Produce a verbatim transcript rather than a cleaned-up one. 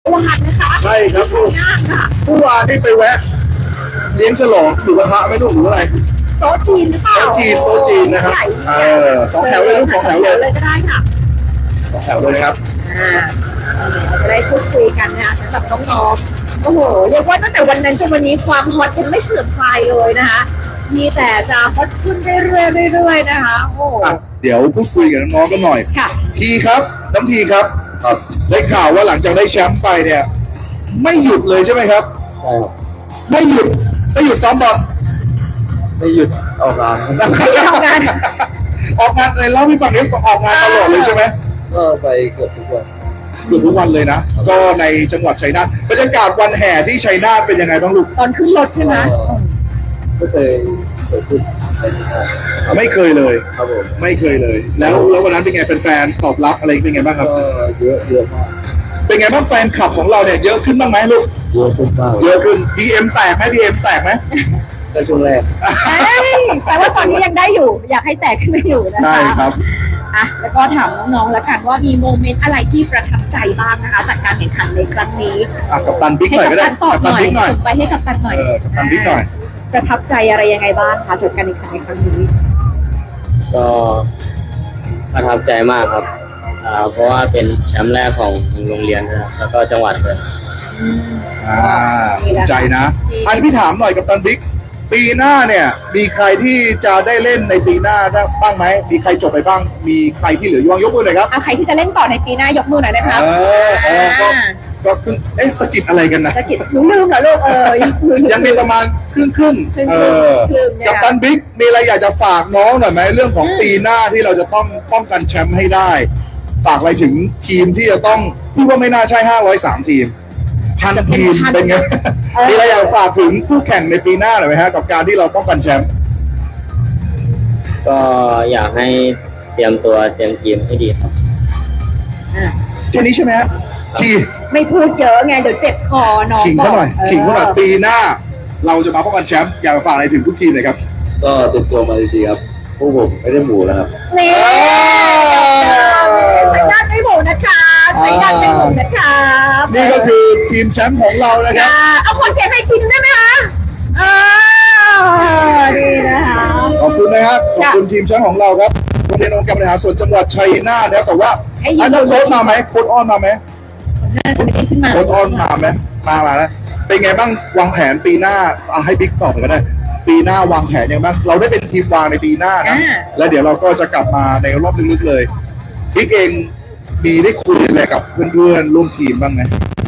วานนะคะใช่ครับชัยนาทค่ะเมื่อวานนี่ไปแวะเลี้ยงฉลองหมูกระทะไม่รู้หรืออะไรโต๊ะจีนหรือเปล่าโต๊ะจีนโต๊ะจีนนะครับใหญ่เออสองแถวเลยลูกสองแถวเลยเลยก็ได้ค่ะสองแถวเลยนะครับอ่าเราจะได้พูดคุยกันนะคะสำหรับน้องๆโอ้โหเรียกว่าตั้งแต่วันนั้นจนวันนี้ความฮอตยังไม่เสื่อมคลายเลยนะคะมีแต่จะฮอตขึ้นเรื่อยๆเรื่อยๆนะคะโอ้โหอ่ะเดี๋ยวพูดคุยกับน้องๆกันหน่อยค่ะทีครับน้ำทีครับครับได้ข่าวว่าหลังจากได้แชมป์ไปเนี่ย ไม่หยุดเลยใช่ไหมครับใช่ครับไม่หยุดไม่หยุดซ้อมบอลไม่หยุดออกงานครับไม่ได้ทำงานออกงานในเล่าให้ฟังนี้ออกงานตลอดเลยใช่ไหมก็ไปเกือบทุกวันเกือบทุกวันเลยนะ ก็ในจังหวัดชัยนาทบรรยากาศวันแห่ที่ชัยนาทเป็นยังไงบ้างลูกตอนขึ้นรถใช่ไหมก็ไม่เคยเกิดขึ้นในที่นั่นไม่เคยเลยครับผมไม่เคยเลย แล้วแล้ววันนั้นเป็นไงแฟนๆตอบรับอะไรเป็นไงบ้างครับก็เยอะเยอะมากเป็นไงบ้างแฟนคลับของเราเนี่ยเยอะขึ้นบ้างไหมลูกเยอะขึ้นมากเยอะขึ้น ดี เอ็ม แตกไหม ดี เอ็ม แตกไหมก็ช่วงแรกเอ้ยแปลว่าตอนนี้ยังได้อยู่ อยากให้แตกขึ้นไปอยู่นะคะใช่ครับอ่ะแล้วก็ถามน้องๆแล้วกันว่ามีโมเมนต์อะไรที่ประทับใจบ้างนะคะจากการแข่งขันในครั้งนี้อ่ะกับตันบิ๊กให้หน่อยกัก็ได้ตันตอบกับหตันน่อยบิ๊กหน่อยส่งไปให้กับตันหน่อยเออกับตันบิ๊กหน่อยประทับใจอะไรยังไงบ้างคะสำหรับการแข่งขันในครั้งนี้ก็ประทับใจมากครับอ่าเพราะว่าเป็นแชมป์แรกของโรงเรียนนะครับแล้วก็จังหวัดเลยอ่าภูมิใจนะ อันนี้พี่ถามหน่อยกับตันบิ๊ก ปีหน้าเนี่ย มีใครที่จะได้เล่นในปีหน้าได้บ้างไหม มีใครจบไปบ้าง มีใครที่เหลืออยู่บ้างยกมือหน่อยครับเอาใครที่จะเล่นต่อในปีหน้ายกมือหน่อยได้ไหมคะเออเออก็ ก็ครึ่งเอ๊ะสะกิดอะไรกันนะจะกิดหนูลืมเหรอลูกเออยังลืมยังมีประมาณครึ่งครึ่งครึ่งๆเออครึ่งๆเนี่ยกับตันบิ๊ก มีอะไรอยากจะฝากน้องหน่อยไหมเรื่องของอืมปีหน้าที่เราจะต้องป้องกันแชมป์ให้ได้ ฝากอะไรถึงทีมที่จะต้องพี่ว่าไม่น่าใช่ห้าร้อยสามทีม พันทีมเป็นไง มีอะไรอยากฝากถึงคู่แข่งในปีหน้าหน่อยไหมฮะกับการที่เราป้องกันแชมป์ก็อยากให้เตรียมตัวเตรียมทีมให้ดีครับอ่ะแค่นี้ใช่ไหมฮะทีไม่พูดเยอะไงเดี๋ยวเจ็บคอน้องขิงเขาหน่อยบกขิงเขาหน่อยปีหน้า เราจะมาป้องกันแชมป์อยากฝากอะไรถึงทุกทีมเลยครับก็เตรียมตัวมาดีๆครับพวกผมไม่ได้หมูแล้วครับนี่ใช้ด้านไม่หมูนะคะใช้ด้านไม่หมูนะคะนี่ก็คือทีมแชมป์ของเรานะครับอ่าเอาคนเสียงให้คิมได้ไหมคะอ่าดีนะคะขอบคุณนะครับขอบค่ะคุณทีมแชมป์ของเราครับโรงเรียนองค์การบริหารส่วนจังหวัดชัยนาทนะครับแต่ว่าให้ยืนอันนั้นโค้ชมาไหมโค้ชอ้อนมาไหมน่าจะไม่ได้ขึ้นมาโค้ชอ้อนมาไหมมามาแล้วเป็นไงบ้างวางแผนปีหน้าเอาให้บิ๊กตอบก็ได้ ปีหน้าวางแผนยังไงบ้างเราได้เป็นทีมวางในปีหน้านะแล้วเดี๋ยวเราก็จะกลับมาในรอบลึกๆเลยบิ๊กเองมีได้คุยอะไรกับเพื่อนๆร่วมทีมบ้างไหม